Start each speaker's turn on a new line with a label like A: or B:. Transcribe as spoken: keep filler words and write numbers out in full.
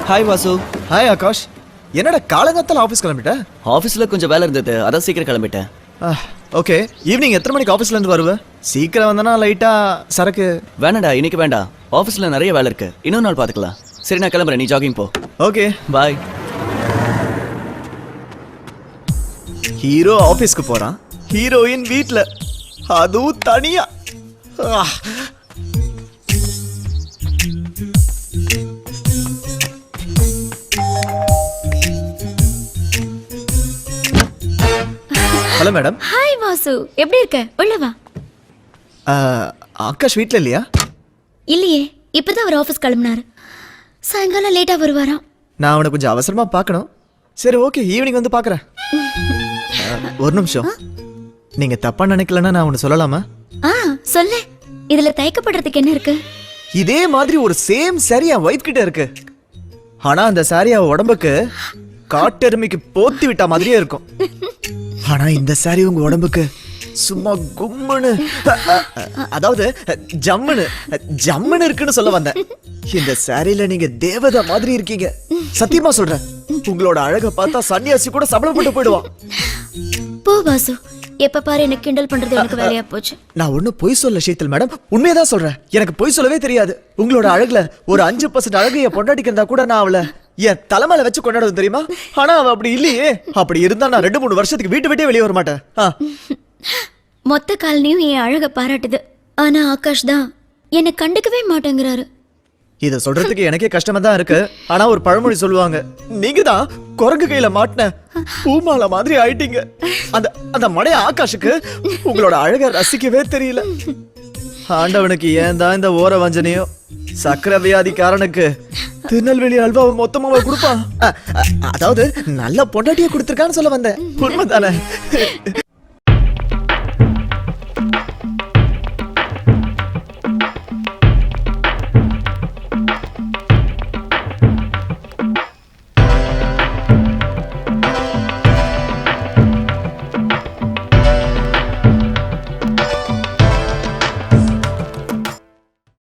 A: Hi Vasu.
B: Hi Akash. என்னடா காலங்காத்தால office கிளம்பிட்ட?
A: ஆஃபீஸில் கொஞ்சம் வேலை இருந்தது, அதான் சீக்கிரம் கிளம்பிட்டேன்.
B: ஓகே, ஈவினிங் எத்தனை மணிக்கு ஆஃபீஸ்லேருந்து வருவேன்? சீக்கிரம் வந்தனா லைட்டாக சரக்கு.
A: வேணாடா, இன்னைக்கு வேண்டாம். ஆஃபீஸில் நிறைய வேலை இருக்கு, இன்னொரு நாள் பார்த்துக்கலாம். சரி, நான் கிளம்புறேன், நீ ஜாகிங் போ.
B: Okay
A: bye.
B: ஹீரோ ஆஃபீஸ்க்கு போகிறான், ஹீரோயின் வீட்டில், அதுவும் தனியா. Hello madam.
C: ஹாய் வாசு, எப்படி இருக்க? உள்ள வா.
B: ஆகாஷ் வீட்டில் இல்லையா?
C: இல்லையே, இப்பதான் அவர் ஆஃபீஸ் கிளம்பினாரு. சாயங்காலம் லேட்டா வருவாராம்.
B: நான் அவனை கொஞ்சம் அவசரமா பார்க்கணும். சரி ஓகே, ஈவினிங் வந்து பார்க்குறேன். ஒரு நிமிஷம், நீங்க தப்பா நினைக்கலன்னா நான் ஒன்று சொல்லலாமா?
C: ஆ சொல்லு. இதுல தயக்கப்படுறதுக்கு என்ன இருக்கு?
B: இதே மாதிரி ஒரு சேம் சாரி என் ஒய்ஃப் கிட்ட இருக்கு. ஆனா அந்த சாரி அவ உடம்புக்கு காட்டெருமைக்கு போத்தி விட்ட மாதிரியே இருக்கும். ஆனா இந்த சாரி உங்க உடம்புக்கு சும்மா கும்முன்னு, அதாவது ஜம்முன்னு ஜம்முன்னு இருக்குன்னு சொல்ல வந்தேன். இந்த சாரியில நீங்க தேவதை மாதிரி இருக்கீங்க. சத்தியமா சொல்றேன், உங்களோட அழகை பார்த்தா சன்னியாசி கூட சபலப்பட்டு போயிடுவான்.
C: போ வாசு, எப்ப பாரு எனக்கு கிண்டல் பண்றது எனக்கு வேலையா போச்சு.
B: நான் ஒன்னும் பொய் சொல்ல ஷீத்தல் மேடம், உண்மையதான் சொல்றேன். எனக்கு பொய் சொல்லவே தெரியாது. உங்களோட அழகுல ஒரு அஞ்சு பர்சன்ட் அழகு என் பொண்டாட்டிக்கு இருந்தா கூட நான் அவளை என் தலைமையில வச்சு கொண்டாடுவது தெரியுமா? ஆனா அவ அப்படி இல்லையே. அப்படி இருந்தா நான் ரெண்டு மூணு வருஷத்துக்கு வீட்டு விட்டே வெளியே வர மாட்டேன்.
C: மொத்த காலனியும் என் அழக பாராட்டுது. ஆனா ஆகாஷ் தான் என்னை கண்டுக்கவே மாட்டேங்கிறாரு.
B: இத சொல்றதுக்கு எனக்கே கஷ்டமா தான் இருக்கு. ஆனா ஒரு பழமொழி சொல்லுவாங்க, நீங்க தான் குரங்கு கையில மாட்டின பூமால மாதிரி ஆயிட்டீங்க. அந்த அந்த மடைய ஆகாஷுக்கு உங்களோட அழக ரசிக்கவே தெரியல. ஆண்டவனுக்கு ஏன் தான் இந்த ஓர வஞ்சனையோ. சக்கரை வியாதிக்காரனுக்கு திருநெல்வேலி அல்வாவை மொத்தமாவை கொடுப்பான். அதாவது நல்ல பொண்டாட்டியை கொடுத்துருக்கான்னு சொல்ல வந்தேன். உண்மைதானே?